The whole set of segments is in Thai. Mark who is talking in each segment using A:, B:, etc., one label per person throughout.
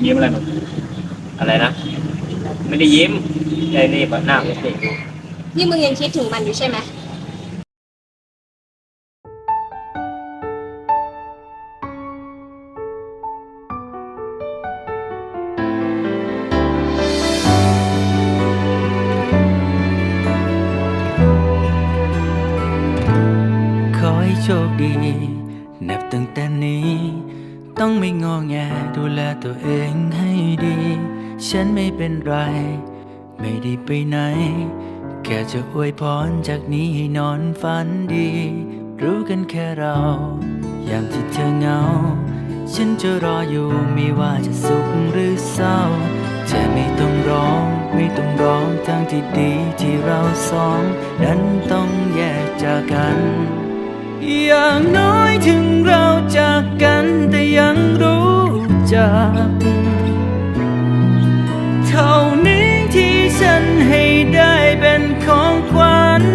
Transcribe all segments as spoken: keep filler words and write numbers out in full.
A: ยิ้มอะไรแบบอะไรนะไม่ได้ยิ้มใจรีบหน้าไม่เด็กดู
B: นี่มึงยังคิดถึงมันอยู่ใช่ไหม
C: ขอให้โชคดีนับตั้งแต่นี้ต้องไม่งอแงดูแลตัวเองให้ดีฉันไม่เป็นไรไม่ได้ไปไหนแค่จะอวยพรจากนี้ให้นอนฝันดีรู้กันแค่เรายามที่เธอเหงาฉันจะรออยู่ไม่ว่าจะสุขหรือเศร้าเธอไม่ต้องร้องไม่ต้องร้องทั้งที่ดีที่เราสองนั้นต้องแยกจากกันอย่างน้อยถึงเราจากกันแต่ยังรู้จักเท่านี้ที่ฉันให้ได้เป็นของขวัญ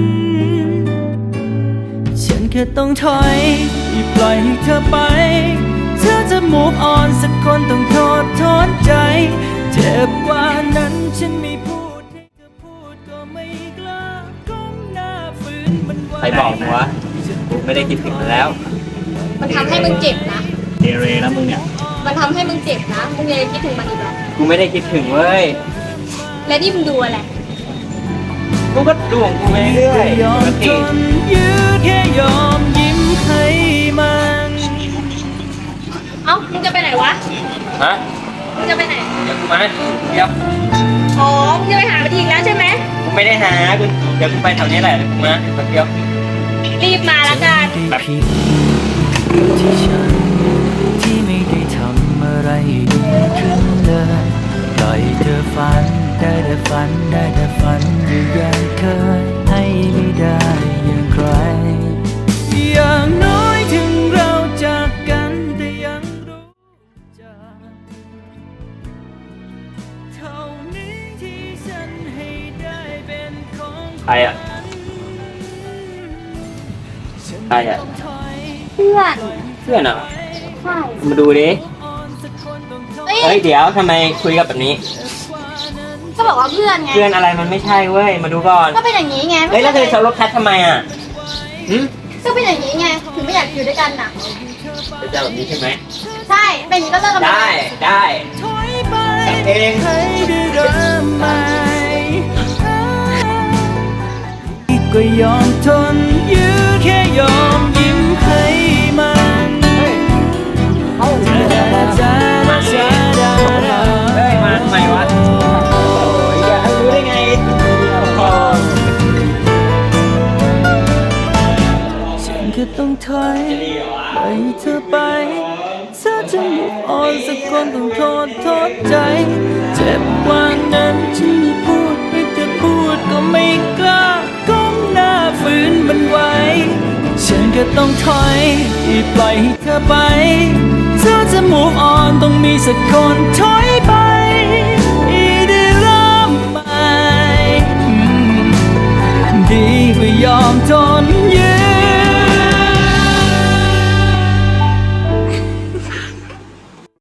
C: ฉันแค่ต้องถอยปล่อยให้เธอไปเธอจะ move on สักคนต้องโทษทนใจเจ็บกว่านั้นฉันไม่พูดให้เธอพูดก็ไม่กล้าก้มหน้าฝืนมันไว้
A: ใครบอกมึงวะกูไม่ได้คิดถึงมันแล้ว
B: มันทำให้มึงเจ็บนะ
A: เดเรนะมึงเนี่ย
B: มันทำให้มึงเจ็บนะมึงยังคิดถึงมันอีกเหรอ
A: กูไม่ได้คิดถึงเว้ย
B: และนี่มึงดูอะไร
A: กูก็ดูของกูไปเรื่อย
C: ยอมทนยื้อแค่ยอมยิ้มให้มัน
B: เอ้ามึงจะไปไหนวะ
A: ฮะ
B: มึงจะไปไหน
A: เดี๋ยวกูมาเดี๋ยว
B: อ๋อมึงจะไปหามันอีกแล้วใช่ไหม
A: กูไม่ได้หากูเดี๋ยวกูไปแถวนี้แหละเดี๋ยวกูมาแป๊บเดียว
B: รีบมาละกัน
C: ผิดที่ฉันที่ไม่ได้ทำอะไรดีขึ้นเลยปล่อยเธอฝันได้แต่ฝันได้แต่ฝันอยู่อย่างเคยให้ไม่ได้อย่างใครอย่างน้อยถึงเราจากกันแต่ยังรู้จักเท่านี้ที่ฉันให้ได้เป็นของ
A: ใครอ่ะใครอ่ะ
B: เพื่อน
A: เพื่อนอ่ะ
B: ใช่
A: มาดูดิเฮ้ยเดี๋ยวทำไมคุยกับแบบนี้
B: ก็บอกว่าเพื่อนไง
A: เพื่อนอะไรมันไม่ใช่เว้ยมาดูก่อน
B: ก็เป็นอย่างนี้ไง
A: เฮ้ยแล้วเธอชอบรถแคททำไมอ่ะหืม
B: ก็เป็นอย่างนี้ไงถึงไม่อยากอยู่ด้วยกันน่ะ
A: จะเจอแบบนี้ใช่ไหม
B: ใช่เป็นอย่างนี้ก็เลิกกัน
A: ได้ได้เอง
C: ก็ยอมทนยื้อแค่ยอมยิ้มให้มัน
A: เฮ้ยมาทำไมวะอยากรู้ได้ไง
C: ฉันก็ต้องถอยปล่อยเธอไปเธอจะ move on สักคนต้องโทษโทษใจเจ็บกว่านั้นฉันไม่พูดให้เธอพูดก็ไม่กล้าก้มหน้าฝืนมันไว้ฉันก็ต้องถอยปล่อยให้เธอไปเธอจะ move on ต้องมีสักคนถอยไป